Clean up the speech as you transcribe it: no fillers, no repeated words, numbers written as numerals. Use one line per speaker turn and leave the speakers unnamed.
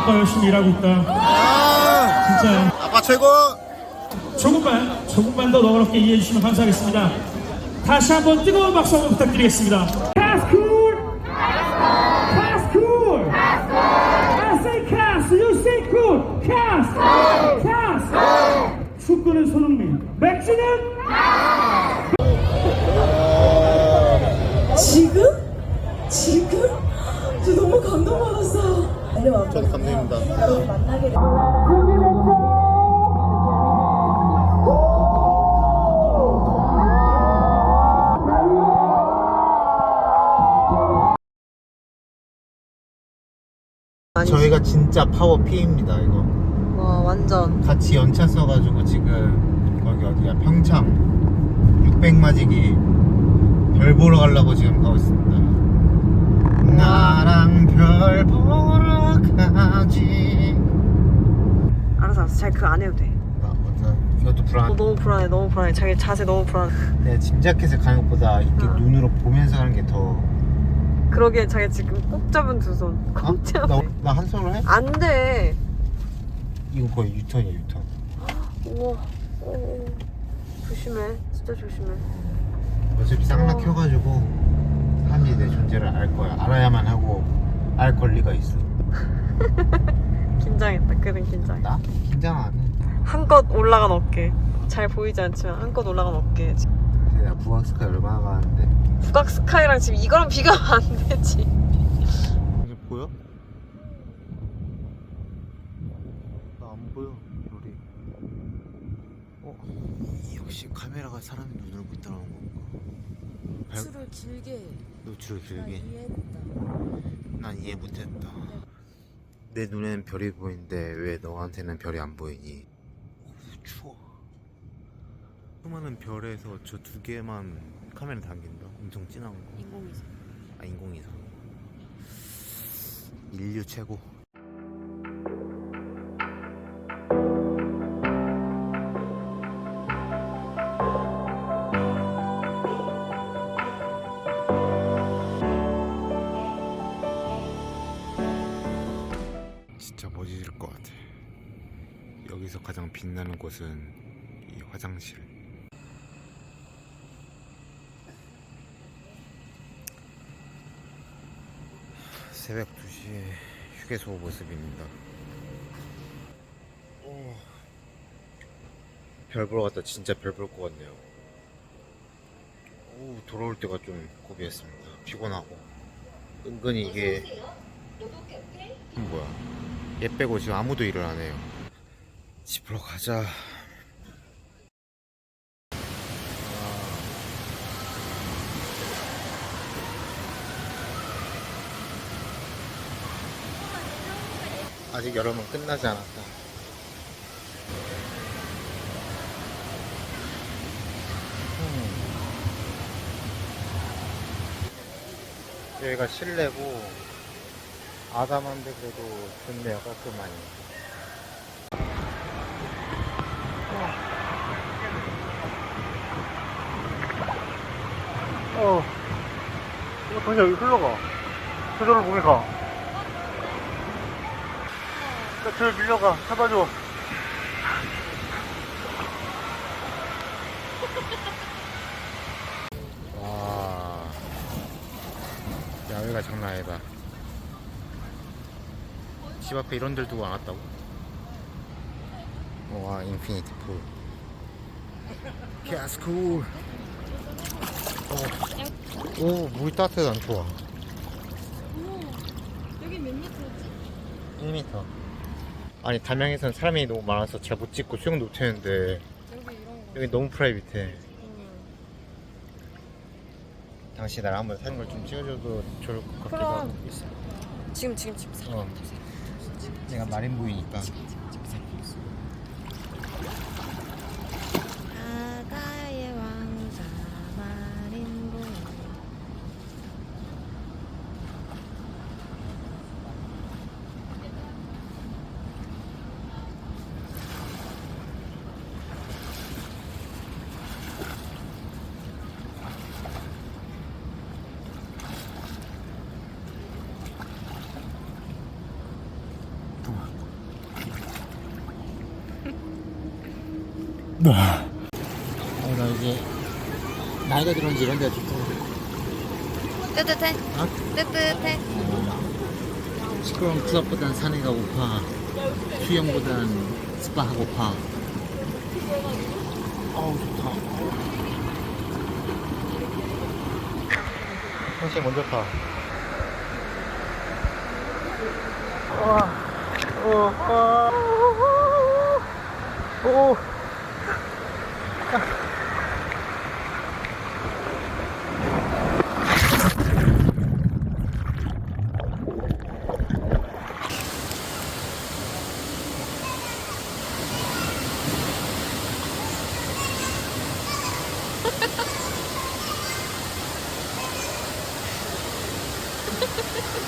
아빠 열심히 일하고 있다. 진짜
아빠 최고.
조금만 더 너그럽게 이해해 주시면 감사하겠습니다. 다시 한번 뜨거운 박수 한번 부탁드리겠습니다. Cast cool. Cast cool. I say cast, you say cool. Cast. Cast. 축구는 손흥민, 맥주는
지금? 저 너무 감동받았어요.
저도 감사합니다.
여러분 만나게 돼.
저희가 진짜 파워 P입니다 이거.
와 완전.
같이 연차 써가지고 지금 거기 어디야 평창 600마지기 별 보러 가려고 지금 가고 있습니다. 나랑 별 보러 가지.
알았어. 잘 그거 안 해도 돼.
나 맞아. 이것도 불안.
너무 불안해. 자기 자세 너무 불안해.
내가 짐작해서 가는 것보다 이렇게 눈으로 보면서 가는 게 더.
그러게 자기 지금 꼭 잡은 두 손. 꼭 잡은.
나 한 손으로 해?
안 돼.
이거 거의 유턴이야 유턴.
우와. 조심해. 진짜 조심해.
어차피 쌍락 켜가지고 사람들이 내 존재를 알 거야. 알아야만 하고 알 권리가 있어.
긴장했다. 그는 긴장.
나? 긴장 안 해.
한껏 올라간 어깨. 잘 보이지 않지만 한껏 올라간 어깨.
내가 부학스카이 얼마나 가는데.
북악 스카이랑 지금 이거랑 비교하면 안 되지.
이게 보여? 나 안 보여 우리. 역시 카메라가 사람의 눈을 못 따라오는 건가?
노출을 길게
노출을
난
길게.
이해했다.
난 이해 못했다. 내 눈에는 별이 보이는데 왜 너한테는 별이 안 보이니? 추워. 수많은 별에서 저 두 개만 카메라 당긴다. 엄청 진한 거.
인공위성.
아 인공위성. 인류 최고. 진짜 멋있을 것 같아. 여기서 가장 빛나는 곳은 이 화장실. 새벽 2시에 휴게소 모습입니다. 별 보러 갔다 진짜 별 볼 것 같네요. 돌아올 때가 좀 고비했습니다. 피곤하고 은근히 이게 뭐야, 얘 빼고 지금 아무도 일을 안 해요. 집으로 가자. 아직 여름은 끝나지 않았다. 여기가 실내고 아담한데 그래도 좋네요. 깔끔하니. 이거 동시에 여기 흘러가. 저절로 몸에 가. 저 밀려가. 잡아줘. 와, 야외가 장난 아니다. 집 앞에 이런 데를 두고 안 왔다고? 와, 인피니티 풀. Yes, cool. 오, 물이 따뜻해. 난 좋아.
여기 몇 미터지?
1m. 아니, 담양에서는 사람이 너무 많아서 잘 못 찍고 수영도 못 하는데
여기 이런 거.
여기 너무 프라이빗해. 당시 나랑 한번 사는 걸 좀 찍어줘도 좋을 것 같기도 하고.
지금.
내가 마린보이니까.
바다의 왕자 마린보.
나 이제 나이가 들었는지 이런 데가 좋다.
뜨뜻해.
어?
뜨뜻해.
시끄러운 클럽보단 산에가 고파. 수영보단 스파가 고파. 어우 좋다. 현실 먼저 타. 오.